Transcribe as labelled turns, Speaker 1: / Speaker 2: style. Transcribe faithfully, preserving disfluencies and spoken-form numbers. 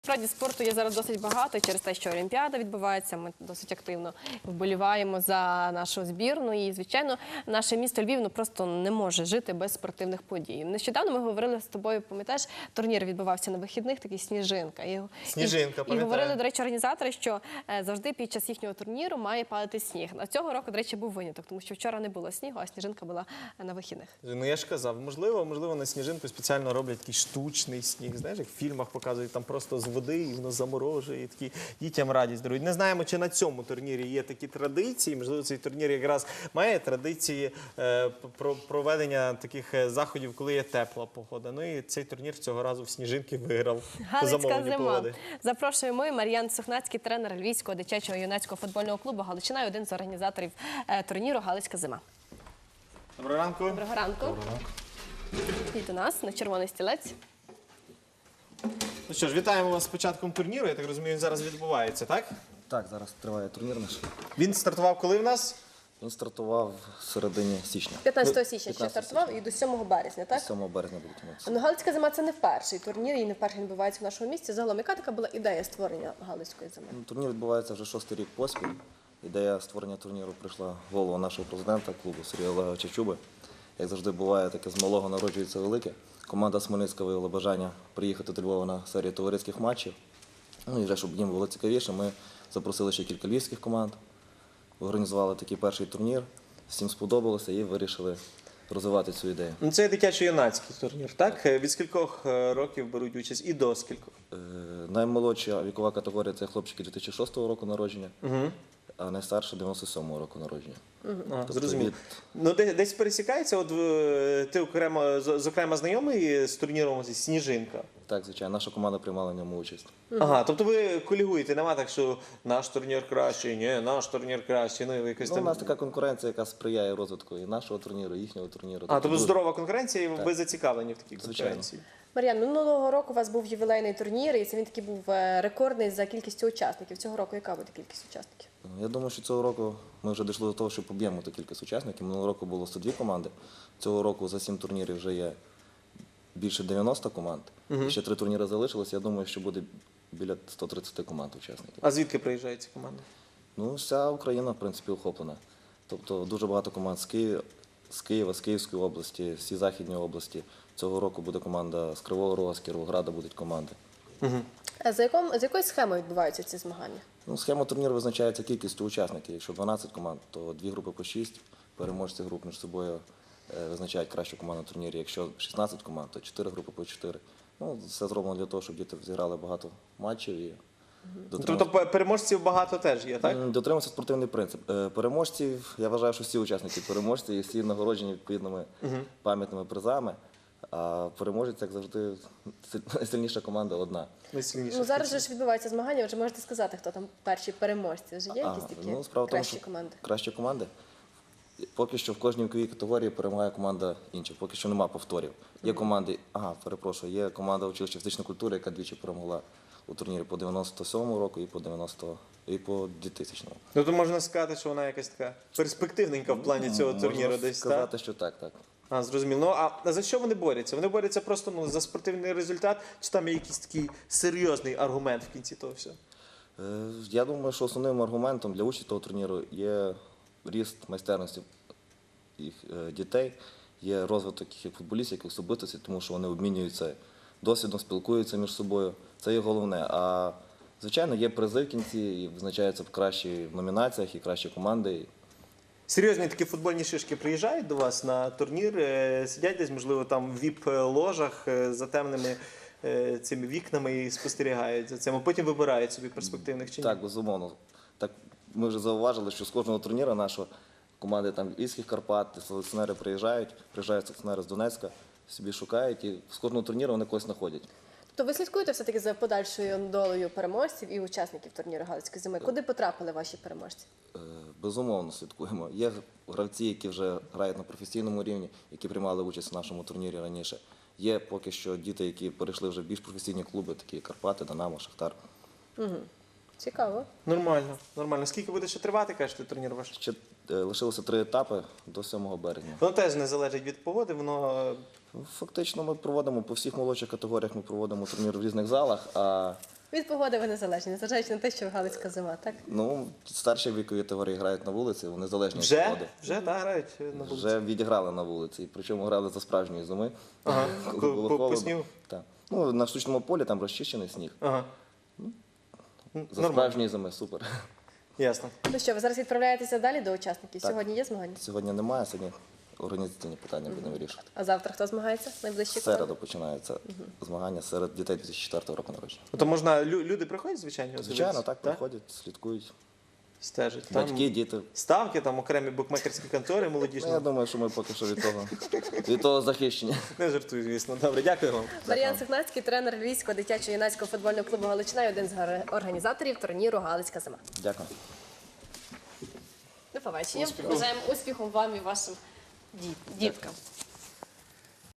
Speaker 1: насправді спорту є зараз досить багато і через те, що Олімпіада відбувається. Ми досить активно вболіваємо за нашу збірну. І, звичайно, наше місто Львів ну, просто не може жити без спортивних подій. Нещодавно ми говорили з тобою, пам'ятаєш, турнір відбувався на вихідних, такий «Сніжинка». І,
Speaker 2: Сніжинка,
Speaker 1: і, і говорили, до речі, організатори, що е, завжди під час їхнього турніру має падати сніг. А цього року, до речі, був виняток, тому що вчора не було снігу, а Сніжинка була на вихідних.
Speaker 2: Ну я ж казав, можливо, можливо, на Сніжинку спеціально роблять такий штучний сніг. Знаєш, як в фільмах показують, там просто з води і воно заморожує, і такі дітям радість дарують. Не знаємо, чи на цьому турнірі є такі традиції. Можливо, цей турнір якраз має традиції е, про проведення таких е, заходів, коли є тепла погода. Ну і цей турнір цього разу в Сніжинки виграв по замовленню погоди.
Speaker 1: Запрошуємо ми, Мар'ян Сухнацький, тренер Львівського дитячого юнацького футбольного клубу «Галичина» і один з організаторів е, турніру «Галицька зима».
Speaker 2: Доброго ранку.
Speaker 1: Доброго ранку.
Speaker 3: Доброго ранку.
Speaker 1: І до нас на червоний стілець.
Speaker 2: Ну що ж, вітаємо вас з початком турніру. Я так розумію, він зараз відбувається, так?
Speaker 3: Так, зараз триває турнір наш.
Speaker 2: Він стартував коли в нас?
Speaker 3: Він стартував в середині січня.
Speaker 1: п'ятнадцятого січня ще
Speaker 3: п'ятнадцятого
Speaker 1: стартував і до сьомого березня, так?
Speaker 3: сьомого березня буде тягнутися.
Speaker 1: Ну, Галицька зима – це не перший турнір і не вперше відбувається в нашому місті. Загалом, яка така була ідея створення Галицької зими?
Speaker 3: Ну, турнір відбувається вже шостий рік поспіль. Ідея створення турніру прийшла в голову нашого президента клубу Сергія Олеговича Чуби. Як завжди буває, таке з малого народжується велике. Команда Смельницька виявила бажання приїхати до Львова на серію товариських матчів. Ну і вже, щоб їм було цікавіше, ми запросили ще кілька львівських команд, організували такий перший турнір, всім сподобалося і вирішили розвивати цю ідею.
Speaker 2: Ну, це дитячо-юнацький турнір, так? Від скількох е, років беруть участь і до скількох?
Speaker 3: Е, Наймолодша вікова категорія – це хлопчики дві тисячі шостого року народження,
Speaker 2: Угу.
Speaker 3: а найстарша – дев'яносто сьомого року народження.
Speaker 2: А,
Speaker 3: Тобто
Speaker 2: зрозуміло.
Speaker 3: від-
Speaker 2: Ну, де- десь пересікається, от е, ти окремо, з- зокрема знайомий з турніром зі Сніжинка?
Speaker 3: Так, звичайно, наша команда приймала в ньому участь.
Speaker 2: Ага, тобто ви колігуєте, нема так, що наш турнір кращий, ні, наш турнір кращий, ну і ви якось
Speaker 3: Ну,
Speaker 2: там...
Speaker 3: у нас така конкуренція, яка сприяє розвитку і нашого турніру, і їхнього турніру.
Speaker 2: А, тобто
Speaker 3: дуже-
Speaker 2: здорова конкуренція, і ви
Speaker 3: Так.
Speaker 2: зацікавлені в такій
Speaker 3: Звичайно.
Speaker 2: конкуренції?
Speaker 1: Мар'ян, минулого року у вас був ювілейний турнір, і це він такий був е, рекордний за кількістю учасників. Цього року яка буде кількість учасників?
Speaker 3: Я думаю, що цього року ми вже дійшли до того, що поб'ємо ту кількість учасників. Минулого року було сто дві команди. Цього року за сім турнірів вже є більше дев'яноста команд. І ще три турніри залишилось. Я думаю, що буде біля ста тридцяти команд учасників.
Speaker 2: А звідки приїжджають ці команди?
Speaker 3: Ну, вся Україна, в принципі, охоплена. Тобто дуже багато команд з Києва, з Києва, з Київської області, всі західні області. Цього року буде команда з Кривого Рога, з Кіровограда будуть команди.
Speaker 1: А за, яком, за якою схемою відбуваються ці змагання?
Speaker 3: Ну, схема турніру визначається кількістю учасників. Якщо дванадцять команд, то дві групи по шість. Переможці груп між собою е, визначають кращу команду на турнірі. Якщо шістнадцять команд, то чотири групи по чотири. Ну, все зроблено для того, щоб діти зіграли багато матчів і дотрималися.
Speaker 2: Тобто пе- переможців багато теж є, так?
Speaker 3: М, Дотримався спортивний принцип. Е, Переможців, я вважаю, що всі учасники переможці і всі нагороджені відповідними пам'ятними призами. А переможець, як завжди, найсильніша команда одна.
Speaker 2: Найсильніше.
Speaker 1: Ну, зараз же ж відбуваються змагання, вже можете сказати, хто там перші переможці. Вже є
Speaker 3: А,
Speaker 1: якісь такі
Speaker 3: ну, справа в тому,
Speaker 1: кращі
Speaker 3: що
Speaker 1: команди?
Speaker 3: Кращі команди. Поки що в кожній віковій категорії перемагає команда інша. Поки що нема повторів. Є команди, ага, перепрошую, є команда училища фізичної культури, яка двічі перемогла у турнірі по дев'яносто сьомому року і по дев'яносто і по двохтисячному.
Speaker 2: Ну, то можна сказати, що вона якась така перспективненька в плані цього
Speaker 3: Можна
Speaker 2: турніру десь,
Speaker 3: сказати,
Speaker 2: так?
Speaker 3: що так, так.
Speaker 2: А, зрозуміло. Ну, а за що вони борються? Вони борються просто ну, за спортивний результат, чи там є якийсь такий серйозний аргумент в кінці того всього?
Speaker 3: Е, Я думаю, що основним аргументом для участі того турніру є ріст майстерності їх е, дітей, є розвиток їх як футболістів, як особистостей, тому що вони обмінюються досвідом, спілкуються між собою. Це є головне. А звичайно, є призи в кінці, і визначаються кращі в номінаціях і кращі команди.
Speaker 2: Серйозні такі футбольні шишки приїжджають до вас на турнір, е, сидять десь, можливо, там в віп-ложах е, за темними е, цими вікнами і спостерігають за цим, а потім вибирають собі перспективних чи ні?
Speaker 3: Так, безумовно. Так, ми вже зауважили, що з кожного турніру нашого команди там Львівських Карпат, селекціонери приїжджають, приїжджають селекціонери з Донецька, собі шукають, і з кожного турніру вони когось знаходять.
Speaker 1: То ви слідкуєте все-таки за подальшою долею переможців і учасників турніру Галицької зими? Куди потрапили ваші переможці?
Speaker 3: Е, Безумовно слідкуємо. Є гравці, які вже грають на професійному рівні, які приймали участь в нашому турнірі раніше. Є поки що діти, які перейшли вже в більш професійні клуби, такі як Карпати, Динамо, Шахтар.
Speaker 1: Цікаво.
Speaker 2: Нормально, нормально. Скільки буде ще тривати, кажете, турнір ваш?
Speaker 3: Ще е, лишилося три етапи до сьомого березня.
Speaker 2: Воно теж не залежить від погоди, воно е,
Speaker 3: Фактично ми проводимо по всіх молодших категоріях, ми проводимо турнір в різних залах, а
Speaker 1: Від погоди ви незалежні, незважаючи на те, що Галицька зима, так?
Speaker 3: Ну, старші вікові категорії грають на вулиці, вони залежні від
Speaker 2: Вже?
Speaker 3: погоди.
Speaker 2: Вже, так, грають на вулиці.
Speaker 3: Вже відіграли на вулиці, причому грали за справжньої зими.
Speaker 2: Ага,
Speaker 3: коли
Speaker 2: по-
Speaker 3: було
Speaker 2: по- по
Speaker 3: холодно.
Speaker 2: снігу?
Speaker 3: Так. Ну, на штучному полі там розчищений сніг.
Speaker 2: Ага.
Speaker 3: За
Speaker 2: Нормально.
Speaker 3: справжньої зими, супер.
Speaker 2: Ясно.
Speaker 1: Ну що, ви зараз відправляєтеся далі до учасників?
Speaker 3: Так.
Speaker 1: Сьогодні є змагання?
Speaker 3: Сьогодні немає, сьогодні організаційні питання будемо вирішувати.
Speaker 1: А завтра хто змагається? Найближчі
Speaker 3: В середу починаються змагання серед дітей дві тисячі четвертого року народження.
Speaker 2: Ну, то можна, лю- люди приходять, звичайно?
Speaker 3: Звичайно,
Speaker 2: дивитися?
Speaker 3: так, приходять, слідкують.
Speaker 2: Стежать. Там
Speaker 3: Батьки, діти.
Speaker 2: ставки, там окремі букмекерські контори
Speaker 3: Ну,
Speaker 2: молодіжні.
Speaker 3: я думаю, що ми поки що від того, від того захищені.
Speaker 2: Не жартую, звісно. Добре, дякую вам.
Speaker 1: Мар'ян Сигнацький, тренер Львівського дитячо-юнацького футбольного клубу Галичина і один з гар- організаторів турніру Галицька зима.
Speaker 3: Дякую.
Speaker 1: До побачення.
Speaker 2: Успіху.
Speaker 1: Бажаємо успіху вам і вашим діт- діткам.